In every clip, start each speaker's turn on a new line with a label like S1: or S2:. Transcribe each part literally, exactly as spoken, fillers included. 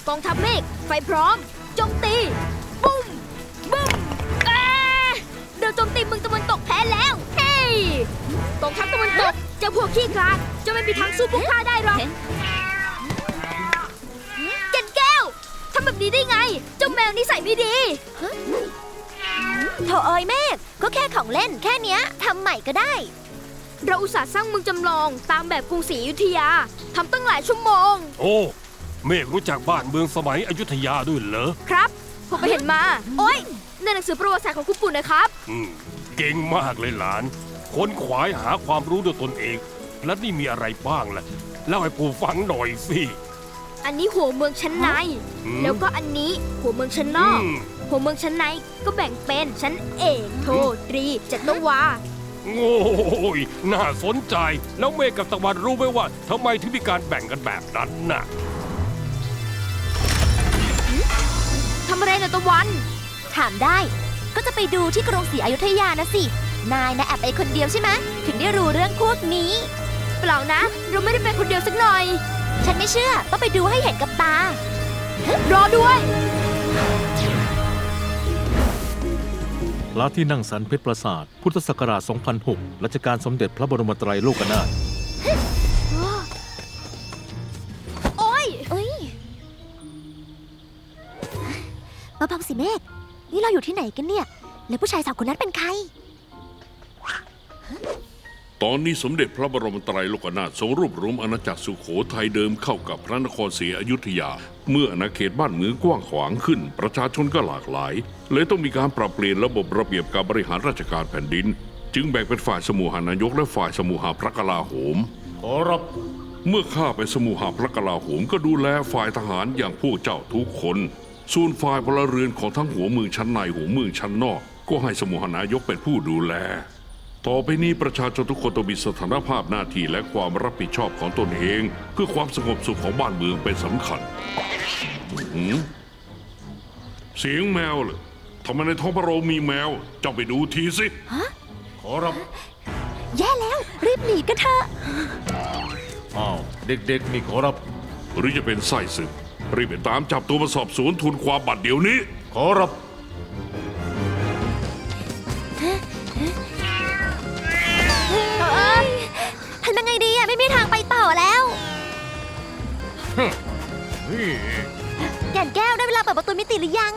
S1: กองทัพเมฆไฟพร้อมโจมตีบุ้มบุ้มแอะเดินโจมตีเมืองตะวันตกแพ้แล้วเฮ้ยกองทัพตะวันตกเจ้าพวกขี้คลาดจะไม่มีทางสู้พวกข้าได้หรอกแก่นแก้วทำแบบนี้ได้ไงเจ้าแมวนิสัยไม่ดี
S2: โถเอ้ยเมฆก็แค่ของเล่นแค่เนี้ยทำใหม่ก็ได้
S1: เราอุตส่าห์สร้างเมืองจำลองตามแบบกรุงศรีอยุธยาทำตั้งหลายชั่วโมง
S3: โอ้เมฆรู้จักบ้านเมืองสมัยอยุธยาด้วยเหรอ
S1: ครับผมไปเห็นมาโอ้ยในหนังสือประวัติศาสตร์ของคุณปู่นะครับ
S3: อืมเก่งมากเลยหลานค้นขวายหาความรู้ด้วยตนเองและนี่มีอะไรบ้างล่ะเล่าให้ปู่ฟังหน่อยสิ
S1: อันนี้หัวเมืองชั้นในแล้วก็อันนี้หัวเมืองชั้นนอกหัวเมืองชั้นในก็แบ่งเป็นชั้นเอกโทตรีจัตวา
S3: โอ้ยน่าสนใจแล้วเมฆกับตะวันรู้ไหมว่าทำไมถึงมีการแบ่งกันแบบนั้นน่ะ
S1: ทำอะไรนะตะวัน
S2: ถามได้ก็จะไปดูที่กรุงศรีอยุธยานะสินายนะแอบไปคนเดียวใช่ไหมถึงได้รู้เรื่องพวกนี้
S1: เปล่านะเราไม่ได้ไปคนเดียวสักหน่อย
S2: ฉันไม่เชื่อต้องไปดูให้เห็นกับตาร
S1: อด้วย
S4: พระที่นั่งสันเพชรปราสาทพุทธศักราช สองพันหก รัชกาลสมเด็จพระบรมไตรโลกนาถ
S1: โอ้ย
S2: เอ้ยเบาๆสิเมฆนี่เราอยู่ที่ไหนกันเนี่ยแล้วผู้ชายสาวคนนั้นเป็นใคร
S5: ตอนนี้สมเด็จพระบรมไตรโลกนาถทรงรวบรวมอาณาจักรสุโขทัยเดิมเข้ากับพระนครศรีอยุธยาเมื่ออาณาเขตบ้านเมืองกว้างขวางขึ้นประชาชนก็หลากหลายเลยต้องมีการปรับเปลี่ยนระบบระเบียบการบริหารราชการแผ่นดินจึงแบ่งเป็นฝ่ายสมุหานายกและฝ่ายสมุหาพระกลาโหม
S4: ขอรับ
S5: เมื่อข้าเป็นสมุหาพระกลาโหมก็ดูแลฝ่ายทหารอย่างพวกเจ้าทุกคนส่วนฝ่ายพลเรือนของทั้งหัวเมืองชั้นในหัวเมืองชั้นนอกก็ให้สมุหานายกเป็นผู้ดูแลต่อไปนี้ประชาชนทุกคนต้องมีสถานภาพหน้าที่และความรับผิดชอบของตนเองเพื่อความสงบสุขของบ้านเมืองเป็นสำคัญเสียงแมวเหรอทำไมในท้องพระโรงมีแมวเจ้าไปดูทีสิ
S4: ขอรับ
S2: แย่แล้วรีบหนีกันเถอะ
S4: อ้าวเด็กๆนี่ขอรับ
S5: หรือจะเป็นไส้ศึกรีบไปตามจับตัวมาสอบสวนทูลความบัดเดี๋ยวนี้
S4: ขอรับ
S2: ทำยังไงดีอะไม่มีทางไปต่อแล้วแก่นแก้วได้เวลาเปิดประตูมิติหรือยัง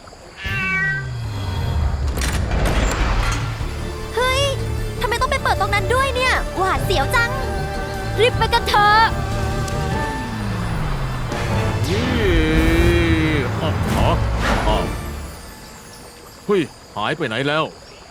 S2: เฮ้ยทำไมต้องไปเปิดตรงนั้นด้วยเนี่ยหวาดเสียวจัง
S1: รีบไปกันเถอะ
S4: อ๋ออ๋อเฮ้ยหายไปไหนแล้ว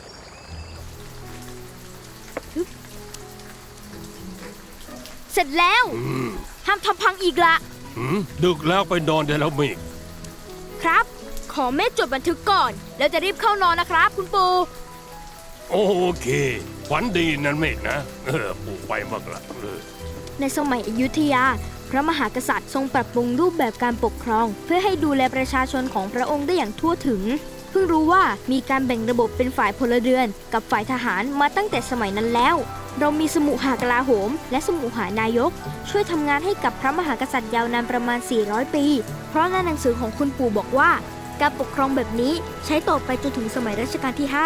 S1: เสร็จแล้วห้ามทำพังอีกละ
S3: ดึกแล้วไปนอนได้แล้วเมฆ
S1: ครับขอเมฆจดบันทึกก่อนแล้วจะรีบเข้านอนนะครับคุณปู่
S3: โอเคฝันดีนั่นเมฆนะเออปู่ไปมากละ
S1: ในสมัยอยุธยาพระมหากษัตริย์ทรงปรับปรุงรูปแบบการปกครองเพื่อให้ดูแลประชาชนของพระองค์ได้อย่างทั่วถึงเพิ่งรู้ว่ามีการแบ่งระบบเป็นฝ่ายพลเรือนกับฝ่ายทหารมาตั้งแต่สมัยนั้นแล้วเรามีสมุหากลาโหมและสมุหานายกช่วยทำงานให้กับพระมหากษัตริย์ยาวนานประมาณสี่ร้อยปีเพราะในหนังสือของคุณปู่บอกว่าการปกครองแบบนี้ใช้ต่อไปจนถึงสมัยรัชกาลที่ห้า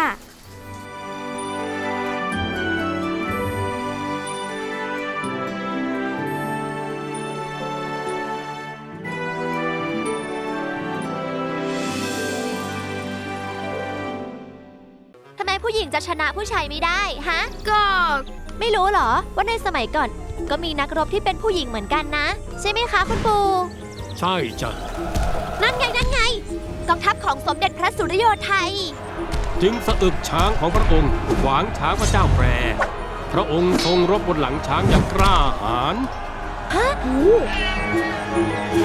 S2: ผู้หญิงจะชนะผู้ชายไม่ได้ฮะ
S1: ก็
S2: ไม่รู้เหรอว่าในสมัยก่อนก็มีนักรบที่เป็นผู้หญิงเหมือนกันนะใช่ไหมคะคุณปู่
S3: ใช่จ้ะ
S2: นั่นไงนั่นไงกองทัพของสมเด็จพระสุริโยทัย
S3: จึงสะอึกช้างของพระองค์ขวางช้างพระเจ้าแปรพระองค์ทรงรบบนหลังช้างอย่างกล้าหาญ
S2: ฮะ